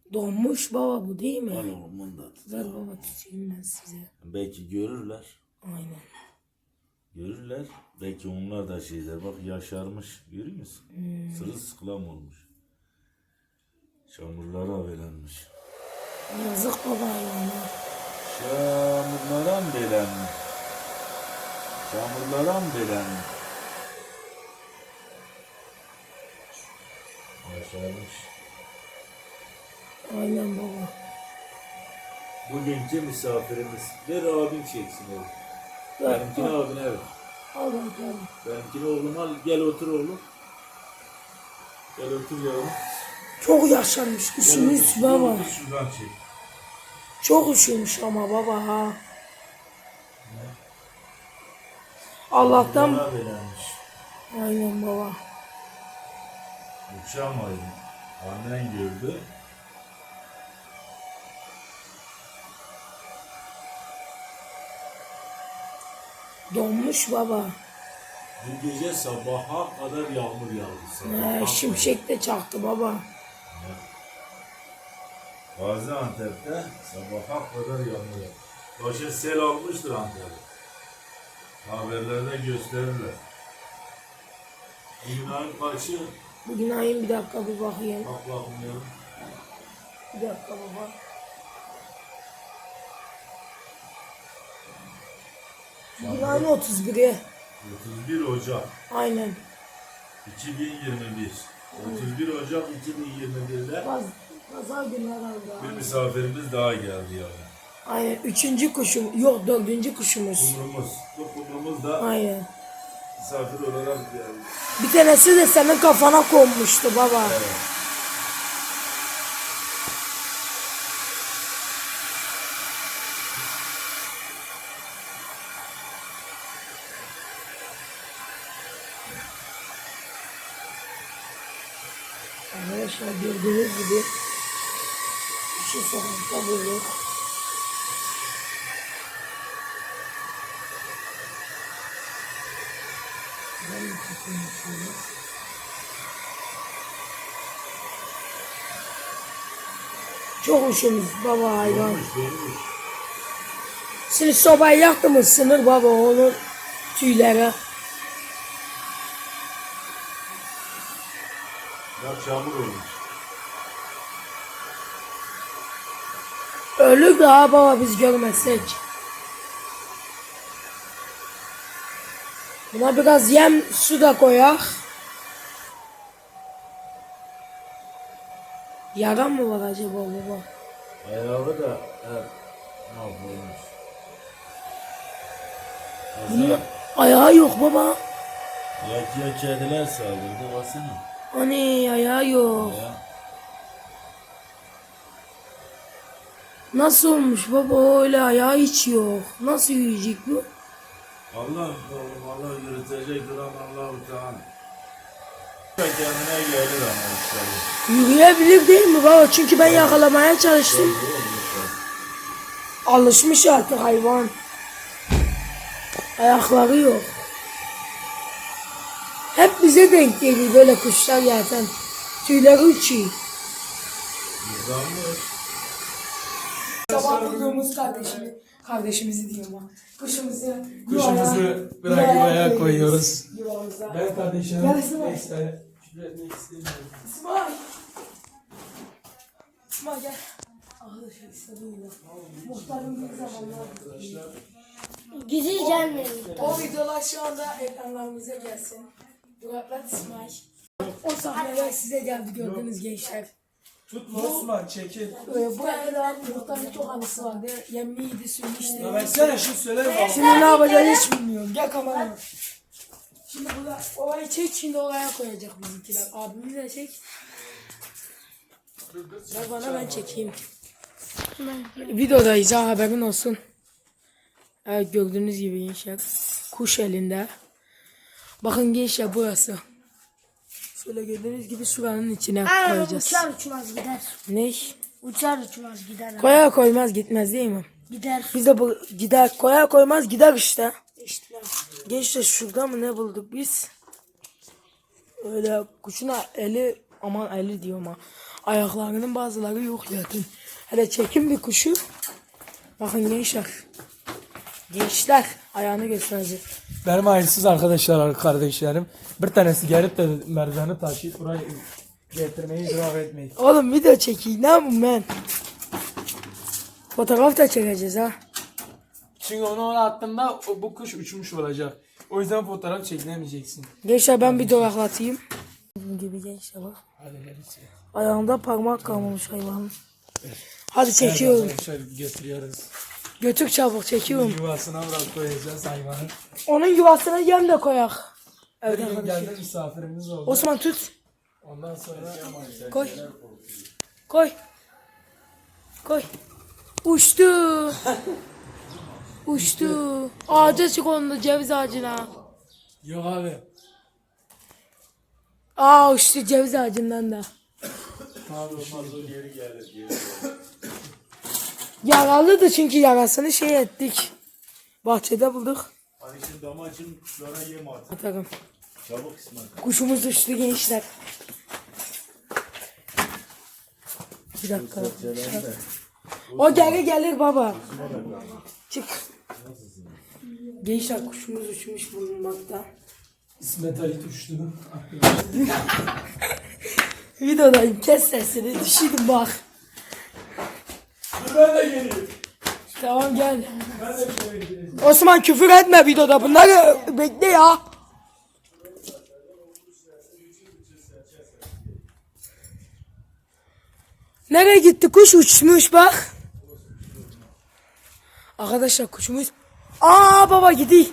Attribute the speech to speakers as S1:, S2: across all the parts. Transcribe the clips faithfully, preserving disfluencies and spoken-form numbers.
S1: Donmuş baba bu değil mi?
S2: Al oğlum bunu da tut.
S1: Ver baba tutayım ben size.
S2: Belki görürler.
S1: Aynen.
S2: Görürler. Belki onlar da şeyler. Bak yaşarmış. Görüyor musun?
S1: Hmm.
S2: Sırılsıklam olmuş. Çamurlara belenmiş.
S1: Yazık baba ya.
S2: Çamurlara mı belenmiş? Çamurlara mı belenmiş? Yaşarmış.
S1: Aynen baba.
S2: Bugünkü misafirimiz. Ver abin çeksin oğlum.
S1: Ver,
S2: Benimkini
S1: al.
S2: abine ver.
S1: Al bakalım.
S2: Benimkini oğlum al. Gel otur oğlum. Gel otur yavrum.
S1: Çok yaşarmış.
S2: Gel
S1: Üşümüş
S2: otur,
S1: baba.
S2: otur, şuradan çek.
S1: Çok üşümüş ama baba ha. Allah'tan.
S2: Çamurlara belenmiş.
S1: Aynen baba.
S2: Uçamayın. Annen gördü.
S1: Donmuş baba.
S2: Bu gece sabaha kadar yağmur yağdı. Sabaha
S1: Ee,
S2: kadar.
S1: şimşek de çaktı baba.
S2: Gaziantep'te sabaha kadar yağmur yağdı. Başa sel almıştır Antep'e. Haberlerde gösterirler. Bugün ayın kaçı?
S1: Bugün ayın bir dakika bir bakayım.
S2: Bak bakmıyorum.
S1: Bir dakika baba. Bugün ayın otuz biri.
S2: otuz bir Ocak
S1: Aynen.
S2: iki bin yirmi bir. otuz bir Ocak iki bin yirmi bir'de
S1: Paz, pazar günü herhalde.
S2: bir misafirimiz daha geldi yani.
S1: Aynen. Üçüncü kuşum. Yok dördüncü kuşumuz.
S2: Kumrumuz. Bu kumrumuz da
S1: Aynen.
S2: misafir olarak geldi.
S1: Bir tanesi de senin kafana konmuştu baba.
S2: Evet.
S1: Arkadaşlar gördüğünüz gibi şu sokakta bulduk. Ben de tutayım şöyle. Çok hoşumuz baba hayvan.
S2: Olmuş, olmuş.
S1: Şimdi sobayı yaktı mı ısınır baba onun tüyleri.
S2: Bak çamur olmuş.
S1: Ölür daha baba biz görmezsek. Buna biraz yem su da koyak. Yara mı var acaba baba?
S2: Ayağı da hep mahvolmuş.
S1: Bunun
S2: Baksana.
S1: ayağı yok baba.
S2: Yatıya kediler saldırdı baksana.
S1: Hani ayağı yok.
S2: Ya.
S1: Nasıl olmuş baba öyle ayağı hiç yok. Nasıl yiyecek bu?
S2: Allah oğlum Allah yürütecek duran Allah-u Teala. Kendine gelir ama inşallah.
S1: Yürüyebilir değil mi baba? Çünkü ben yakalamaya çalıştım. Alışmış artık hayvan. Ayakları yok. Hep bize denk geliyor böyle kuşlar zaten. Tüyleri uçuyor.
S2: Yıpranmış.
S1: Sabah bulduğumuz kardeşimi, kardeşimizi diyorum ha. Kuşumuzu,
S3: Kuşumuzu bırakıp ayağa koyuyoruz.
S1: Yuvamıza.
S3: Ben kardeşim
S1: Gel İsmail.
S3: neyse küfür etmek istemiyorum.
S1: İsmail. İsmail gel. Arkadaşlar istedim ya. Muhtarın bir zamanlar.
S4: Güzel gelmedi.
S1: O videolar şu anda ekranlarımıza gelsin. Duraklat İsmail. O sahneler size geldi gördüğünüz gençler.
S3: Tutma Osman çekil.
S1: Ee, bu arada muhtarın çok anısı vardı. Yemliydi, suyunu
S3: Ya
S1: işte.
S3: versene şu söyle baba.
S1: Şimdi ne yapacağını hiç bilmiyorum. Gel kameraya. Şimdi burada olayı çek, şimdi olaya koyacak bizimkiler. Abimi de çek. Ver bana ben çekeyim. Videodayız ha haberin olsun. Evet gördüğünüz gibi gençler. Kuş elinde. Bakın gençler burası. Şöyle gördüğünüz gibi şuranın içine
S4: Aa,
S1: koyacağız.
S4: uçar uçmaz gider.
S1: Ne?
S4: Uçar uçmaz gider.
S1: Koyar koymaz gitmez değil mi?
S4: Gider.
S1: Biz de bu gider koyar koymaz gider işte.
S4: İşte.
S1: Gençler şurada mı ne bulduk biz? Öyle kuşuna eli aman eli diyorum ha. Ayaklarının bazıları yok zaten. Hele çekin bir kuşu. Bakın gençler. Gençler ayağını gösterecek.
S3: Benim ailesiz arkadaşlar, kardeşlerim. Bir tanesi gelip de merdiveni taşıyıp buraya getirmeyi idrak etmeyin.
S1: Oğlum video çekeyim ne yapayım ben? Fotoğraf da çekeceğiz ha.
S3: Çünkü onu ona attığımda o- bu kuş uçmuş olacak. O yüzden fotoğraf çekinemeyeceksin.
S1: Gençler ben bir duraklatayım. Bunun gibi gençler bak.
S3: Hadi gerisi.
S1: Ayağında parmak kalmamış hayvanın. Hadi çekiyorum.
S3: Arkadaşlar getiriyoruz.
S1: Götür çabuk çekiyorum.
S3: Yuvasına bırak koyacağız hayvanı.
S1: Onun yuvasına yem de koyak. Evet
S3: Bir gün
S1: arkadaşlar.
S3: geldi misafirimiz oldu.
S1: Osman tut.
S3: Ondan sonra
S1: Koy. Koy. Koy. Uçtu. Uçtu. Ağaca çık onda ceviz ağacına.
S3: yok abi.
S1: Aa uçtu ceviz ağacından da.
S3: Abi
S2: Geri gelir geri.
S1: Yaralıydı çünkü yarasını şey ettik. Bahçede bulduk.
S2: Hadi şimdi damacın kuşlara yem at.
S1: Atarım.
S2: Çabuk İsmail.
S1: Kuşumuz uçtu gençler. Bir dakika. arkadaşlar. O geri gelir baba. Çık. Gençler kuşumuz uçmuş bulunmakta.
S3: İsmet Ali uçtu.
S1: Videodayım kes sesini düşürdüm bak.
S3: Ben de geleyim.
S1: Tamam gel.
S3: Ben de şöyle geleyim.
S1: Osman küfür etme videoda bunları bekle ya. Nereye gitti kuş uçmuş bak. Arkadaşlar kuşumuz. Aa baba gidiyor.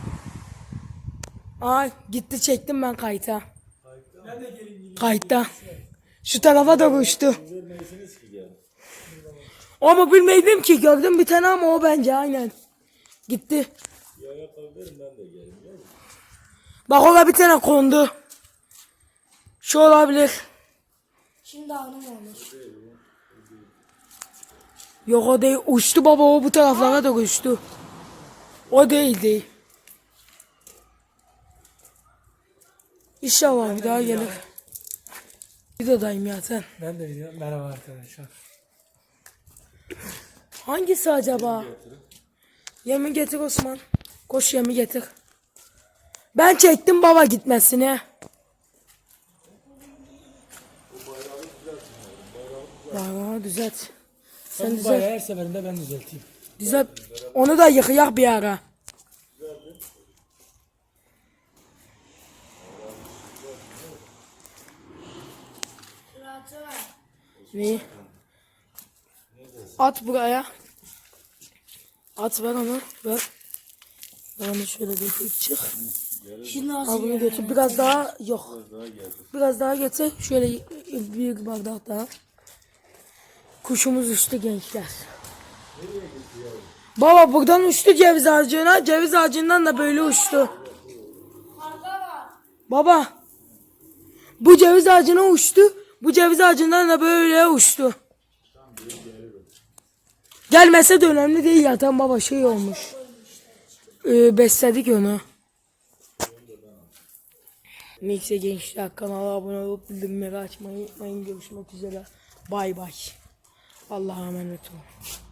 S1: Aa gitti çektim ben kayıta.
S3: Ben de geleyim.
S1: Kayıtta. Şu tarafa da uçtu. Ama bilmeydim ki gördüm bir tane ama o bence aynen. Gitti. Bak orada bir tane kondu. Şu olabilir.
S4: Şimdi hanım olmuş.
S1: Yok o değil. Uçtu baba o bu taraflara da uçtu. O değil değil. İnşallah bir daha gelir. Videodayım ya sen.
S3: Ben de biliyorum. Merhaba arkadaşlar.
S1: Hangisi acaba? Yemi getir Osman. Koş yemi getir. Ben çektim baba gitmesini. Bayrağı düzelt. Sen
S3: Bu
S1: düzelt.
S3: bayrağı her seferinde ben düzelteyim.
S1: Düzelt. Onu da yıkayak bir ara.
S4: Rahatı var.
S1: Neyi? At buraya. At ver onu. Ver. Ver onu şöyle götür çık.
S4: Şimdi
S1: Al
S4: nasıl
S1: bunu
S4: ya?
S1: götür. Biraz daha yok. Biraz daha getir. Şöyle büyük bardak daha. Kuşumuz uçtu gençler. Baba buradan uçtu ceviz ağacına. Ceviz ağacından da böyle uçtu. Baba. Bu ceviz ağacına uçtu. Bu ceviz ağacından da böyle uçtu. Gelmese de önemli değil zaten baba şey olmuş. Ee, besledik onu. Neyse gençler kanala abone olup bildirimleri açmayı unutmayın. Görüşmek üzere. Bay bay. Allah'a emanet olun.